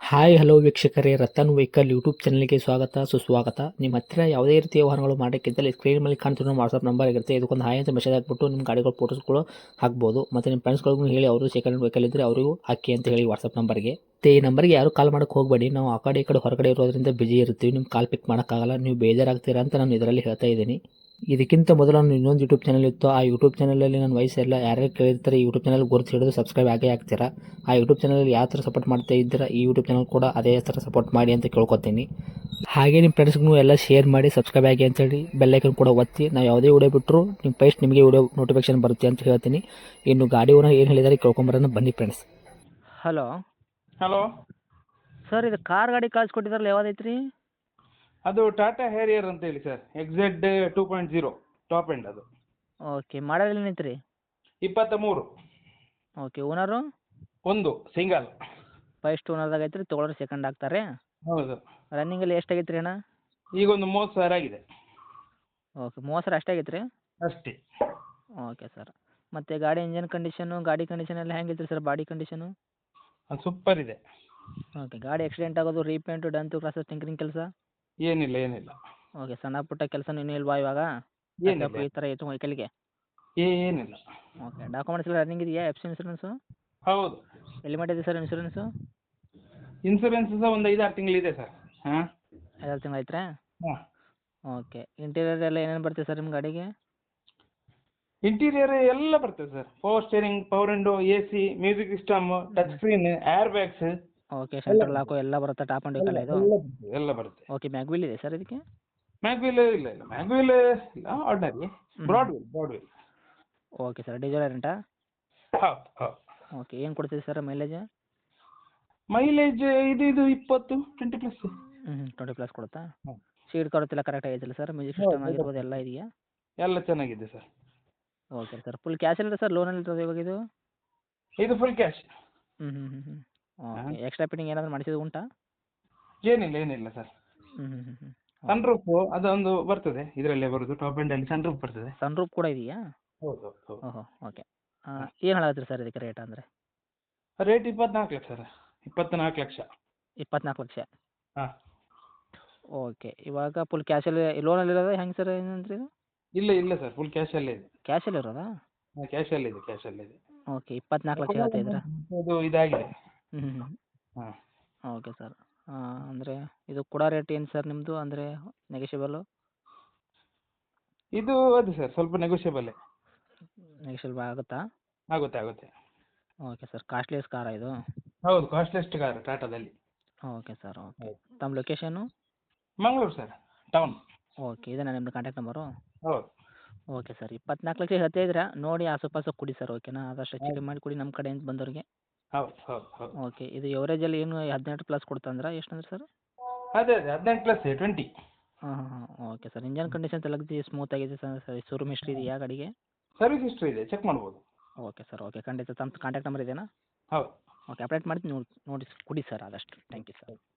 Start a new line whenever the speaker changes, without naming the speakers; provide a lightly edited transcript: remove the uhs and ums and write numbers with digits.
Hi hello ವೀಕ್ಷಕರೇ, Ratan vehicle YouTube ಚಾನಲ್ಗೆ ಸ್ವಾಗತ ಸುಸ್ವಾಗತ. ನಿಮ್ಮ ಹತ್ತಿರ ಯಾವುದೇ ರೀತಿಯ ವಾಹನಗಳು ಮಾಡೋಕ್ಕಿದ್ದಲ್ಲಿ ಸ್ಕ್ರೀನ್ ಮೇಲೆ ಕಾಣ್ತಿರೋ ವಾಟ್ಸಪ್ ನಂಬರ್ ಇರುತ್ತೆ. ಇದಕ್ಕೊಂದು ಹಾಯ್ ಅಂತ ಮೆಸೇಜ್ ಹಾಕ್ಬಿಟ್ಟು ನಿಮ್ಮ ಗಾಡಿಗಳ ಫೋಟೋಸ್ಗಳು ಹಾಕ್ಬೋದು. ಮತ್ತು ನಿಮ್ಮ ಫ್ರೆಂಡ್ಸ್ಗಳಿಗೂ ಹೇಳಿ, ಅವರು ಸೆಕೆಂಡ್ ವೆಹಿಕಲ್ ಇದ್ದರೆ ಅವರಿಗೂ ಹಾಕಿ ಅಂತ ಹೇಳಿ ವಾಟ್ಸಪ್ ನಂಬರ್ಗೆ. ಈ ನಂಬರ್ಗೆ ಯಾರು ಕಾಲ್ ಮಾಡೋಕ್ಕೆ ಹೋಗಬೇಡಿ. ನಾವು ಆ ಕಡೆ ಈ ಕಡೆ ಹೊರಗಡೆ ಇರೋದ್ರಿಂದ ಬಿಜಿ ಇರ್ತೀವಿ. ನಿಮ್ಮ ಕಾಲ್ ಪಿಕ್ ಮಾಡೋಕ್ಕಾಗಲ್ಲ, ನೀವು ಬೇಜಾರಾಗ್ತೀರಾ ಅಂತ ನಾನು ಇದರಲ್ಲಿ ಹೇಳ್ತಾ ಇದ್ದೀನಿ. ಇದಕ್ಕಿಂತ ಮೊದಲು ನಾನು ಇನ್ನೊಂದು ಯೂಟ್ಯೂಬ್ ಚಾನಲ್ ಇತ್ತು. ಆ ಯೂಟ್ಯೂಬ್ ಚಾನಲಲ್ಲಿ ನನ್ನ ವಯಸ್ಸೆಲ್ಲ ಯಾರ್ಯಾರು ಕೇಳಿರ್ತಾರೆ ಈ ಯೂಟ್ಯೂಬ್ ಚಾನಲ್ ಗುರುತು ಹಿಡಿದು ಸಬ್ಸ್ಕ್ರೈಬ್ ಆಗೇ ಆಗ್ತೀರಾ. ಆ ಯೂಟ್ಯೂಬ್ ಚಾನಲಲ್ಲಿ ಯಾವ ಥರ ಸಪೋರ್ಟ್ ಮಾಡ್ತಾ ಇದ್ದೀರಾ, ಈ ಯೂಟ್ಯೂಬ್ ಚಾನಲ್ ಕೂಡ ಅದೇ ಥರ ಸಪೋರ್ಟ್ ಮಾಡಿ ಅಂತ ಕೇಳ್ಕೊತೀನಿ. ಹಾಗೆ ನಿಮ್ಮ ಫ್ರೆಂಡ್ಸ್ಗೂ ಎಲ್ಲ ಶೇರ್ ಮಾಡಿ, ಸಬ್ಸ್ಕ್ರೈಬ್ ಆಗಿ ಅಂತೇಳಿ ಬೆಲ್ಲೈಕನ್ ಕೂಡ ಒತ್ತಿ. ನಾವು ಯಾವುದೇ ವಿಡಿಯೋ ಬಿಟ್ಟರು ನಿಮ್ಮ ಫಸ್ಟ್ ನಿಮಗೆ ವಿಡಿಯೋ ನೋಟಿಫಿಕೇಶನ್ ಬರುತ್ತೆ ಅಂತ ಹೇಳ್ತೀನಿ. ಇನ್ನು ಗಾಡಿ ಓನರ್ ಏನು ಹೇಳಿದಾರೆ ಕೇಳ್ಕೊಂಬರೋಣ ಬನ್ನಿ ಫ್ರೆಂಡ್ಸ್.
ಹಲೋ
ಹಲೋ
ಸರ್, ಇದು ಕಾರ್ ಗಾಡಿ ಕಳ್ಸಿಕೊಟ್ಟಿದ್ರಲ್ಲ, ಯಾವ್ದೈತ್ರಿ?
ಅದು ಟಾಟಾ ಹ್ಯಾರಿಯರ್ ಅಂತ ಹೇಳಿ ಸರ್, XZ 2.0 ಟಾಪ್ ಎಂಡ್. ಅದು
ಓಕೆ, ಮಾಡಲ್ ಏನೈತ್ರಿ?
23.
ಓಕೆ, ಓನರು
ಒಂದು ಸಿಂಗಲ್.
ಫಸ್ಟ್ ಓನರ್ದಾಗ ಐತ್ರಿ, ತೊಗೊಳೋರು ಸೆಕೆಂಡ್ ಆಗ್ತಾರೆ.
ಹೌದು.
ರನ್ನಿಂಗಲ್ಲಿ ಎಷ್ಟು ಆಗೈತ್ರಿ ಅಣ್ಣ?
ಈಗ ಒಂದು 30,000 ಆಗಿದೆ
ಓಕೆ, 30,000 ಅಷ್ಟೇ ಆಗೈತ್ರಿ?
ಅಷ್ಟೇ.
Okay sir. ಮತ್ತು ಗಾಡಿ ಇಂಜನ್ ಕಂಡೀಷನು, ಗಾಡಿ ಕಂಡೀಷನ್ ಎಲ್ಲ ಹೆಂಗೈತ್ರಿ ಸರ್? ಬಾಡಿ ಕಂಡೀಷನು
ಅದು ಸೂಪರ್ ಇದೆ.
ಓಕೆ. ಗಾಡಿ ಆಕ್ಸಿಡೆಂಟ್ ಆಗೋದು, ರೀಪೇಂಟು, ಡಂತು, ಕ್ರಾಸಸ್, ಟಿಂಕರಿಂಗ್ ಕೆಲಸ?
ಏನಿಲ್ಲ.
ಓಕೆ, ಸಣ್ಣ ಪುಟ್ಟ ಕೆಲಸ ಇನ್ನೂ ಇಲ್ವಾ ಇವಾಗ?
ಏನಿಲ್ಲ.
ಈ ಥರ ಐತೆ ವೆಹಿಕಲ್ಗೆ?
ಏನಿಲ್ಲ.
ಓಕೆ. ಡಾಕ್ಯುಮೆಂಟ್ಸ್ ಎಲ್ಲ ರನ್ನಿಂಗ್ ಇದೆಯಾ? ಎಫ್ ಸಿ ಇನ್ಸೂರೆನ್ಸು
ಹೌದು.
ಎಲ್ಲಿ ಮಾಡಿದೆ ಸರ್ ಇನ್ಸೂರೆನ್ಸು?
ಇನ್ಸೂರೆನ್ಸ್ ಸಹ ಒಂದು 5-6 ತಿಂಗಳಿದೆ ಸರ್. ಹಾಂ
5 ತಿಂಗಳು ಐತ್ರಾ?
ಹಾಂ.
ಓಕೆ. ಇಂಟೀರಿಯರ್ ಎಲ್ಲ ಏನೇನು ಬರ್ತದೆ ಸರ್ ನಿಮ್ಮ ಗಾಡಿಗೆ?
ಇಂಟೀರಿಯರ್ ಎಲ್ಲ ಬರ್ತದೆ sir. Power steering, power window, AC, music system, touch screen, air bags.
Okay, central lock ಎಲ್ಲ ಬರುತ್ತೆ, ಟಾಪ್ ಆ್ಯಂಡ್ ವೆಹಿಕಲ್ ಇದು?
ಎಲ್ಲ ಬರುತ್ತೆ.
ಓಕೆ. ಮ್ಯಾಗ್ವಿಲ್ ಇದೆ ಸರ್ ಇದಕ್ಕೆ?
ಮ್ಯಾಗ್ವಿಲ್ ಇಲ್ಲ. ಮ್ಯಾಗ್ವಿಲ್ ಇಲ್ಲ, ordinary. Broad wheel.
Okay sir. Diesel ರೆಂಟಾ?
ಹೌದು.
ಓಕೆ. ಏನು ಕೊಡ್ತೀವಿ ಸರ್ ಮೈಲೇಜ್?
ಮೈಲೇಜ್ ಇದು 20 ಪ್ಲಸ್.
20 ಪ್ಲಸ್ ಕೊಡುತ್ತಾ?
ಹ್ಮ್.
ಸೀಟ್ ಕವರ್ಸ್ ಎಲ್ಲ ಕರೆಕ್ಟ್ ಆಗೈತಿಲ್ಲ ಸರ್? ಮ್ಯೂಸಿಕ್ ಸಿಸ್ಟಮ್ ಆಗಿರ್ಬೋದು ಎಲ್ಲ ಇದೆಯಾ?
ಎಲ್ಲ ಚೆನ್ನಾಗಿದೆ sir.
Okay sir. Full cash ಇಲ್ಲ ಸರ್, ಲೋನಲ್ಲಿ ಇರ್ತದೆ ಇವಾಗ ಇದು?
ಇದು full cash.
Okay. Extra fitting ಏನಾದರೂ ಮಾಡಿಸಿದ್ದು ಉಂಟಾ?
ಏನಿಲ್ಲ ಸರ್. ಸನ್ರೂಫ್ ಅದೊಂದು ಬರ್ತದೆ, ಇದರಲ್ಲೇ ಬರುದು, ಟಾಪ್ ಎಂಡ್ ಅಲ್ಲಿ ಸನ್ರೂಫ್ ಬರ್ತದೆ.
ಸನ್ರೂಫ್ ಕೂಡ ಇದೆಯಾ?
ಹೌದು.
ಓಹೋ. ಓಕೆ. ಏನು ಹೇಳತ್ತೀರಿ ಸರ್ ಇದಕ್ಕೆ ರೇಟ್ ಅಂದರೆ?
Rate 24 lakh sir. 24 ಲಕ್ಷ.
24 ಲಕ್ಷ?
ಹಾಂ.
ಓಕೆ. ಇವಾಗ ಫುಲ್ ಕ್ಯಾಶಲ್ಲಿ ಲೋನಲ್ಲಿ ಇರೋದು ಹೆಂಗೆ ಸರ್ ಏನಂದ್ರಿ ಇದು?
ಇಲ್ಲ ಸರ್, ಫುಲ್ ಕ್ಯಾಶ್ ಅಲ್ಲೇ ಇದೆ.
ಕ್ಯಾಶಲ್ಲಿ ಇರೋದಾ?
ಹಾಂ, ಕ್ಯಾಶ್ ಅಲ್ಲಿದೆ.
ಓಕೆ. 24 ಲಕ್ಷ ಹೇಳ್ತಾ ಇದ್ದೀರಾ?
ಅದು ಇದಾಗಿದೆ. ಹಾಂ.
Okay sir. ಅಂದರೆ ಇದು ಕೊಡೋ ರೇಟ್ ಏನು ಸರ್ ನಿಮ್ಮದು, ಅಂದರೆ ನೆಗೋಷಿಯಬಲ್ಲು?
ಇದು ಅದು ಸರ್ ಸ್ವಲ್ಪ ನೆಗೋಷಿಯಬಲ್.
ನೆಗೋಷಿಯಬಲ್ ಆಗುತ್ತಾ?
ಆಗುತ್ತೆ.
Okay sir. ಕಾಸ್ಟ್ಲಿಯಸ್ ಕಾರಾ ಇದು?
ಹೌದು, ಕಾಸ್ಟ್ಲಿಯಸ್ಟ್ ಕಾರ್ ಟಾಟಾದಲ್ಲಿ.
Okay sir. ಓಕೆ. ತಮ್ಮ ಲೊಕೇಶನ್ನು?
Mangaluru sir, town.
ಓಕೆ. ಇದೇನಾ ನಿಮ್ಮದು ಕಾಂಟ್ಯಾಕ್ಟ್ ನಂಬರು?
ಹೌದು.
Okay sir. 24 ಲಕ್ಷ ಹೇಳ್ತಾ ಇದ್ದೀರಾ, ನೋಡಿ ಆಸುಪಾಸು ಕೊಡಿ ಸರ್, ಓಕೆನಾ? ಆದಷ್ಟು ಹೆಚ್ಚು ಕಡಿಮೆ ಮಾಡಿ ಕೊಡಿ ನಮ್ಮ ಕಡೆಯಿಂದ ಬಂದವ್ರಿಗೆ.
ಹೌದು.
ಓಕೆ. ಇದು ಎವರೇಜಲ್ಲಿ ಏನು 18 ಪ್ಲಸ್ ಕೊಡ್ತಂದ್ರೆ ಎಷ್ಟು ಅಂದ್ರೆ ಸರ್?
ಅದೇ 18 ಪ್ಲಸ್ 20.
ಹಾಂ. Okay sir. ಇಂಜನ್ ಕಂಡೀಷನ್ ಎಲ್ಲ ಸ್ಮೂತ್ ಆಗಿದೆ ಸರ್? ಶೋರೂಮ್ ಹಿಸ್ಟ್ರಿ ಇದೆಯಾ ಗಾಡಿಗೆ?
ಸರ್ವಿಸ್ ಹಿಸ್ಟ್ರಿ ಇದೆ, ಚೆಕ್ ಮಾಡ್ಬೋದು.
Okay sir. ಓಕೆ. ಖಂಡಿತ ತಮ್ಮ ಕಾಂಟ್ಯಾಕ್ಟ್ ನಂಬರ್ ಇದೆಯಾ?
ಹೌದು.
ಓಕೆ. ಅಪ್ಡೇಟ್ ಮಾಡಿ ನೋಡಿ ಕೊಡಿ ಸರ್ ಆದಷ್ಟು. Thank you sir.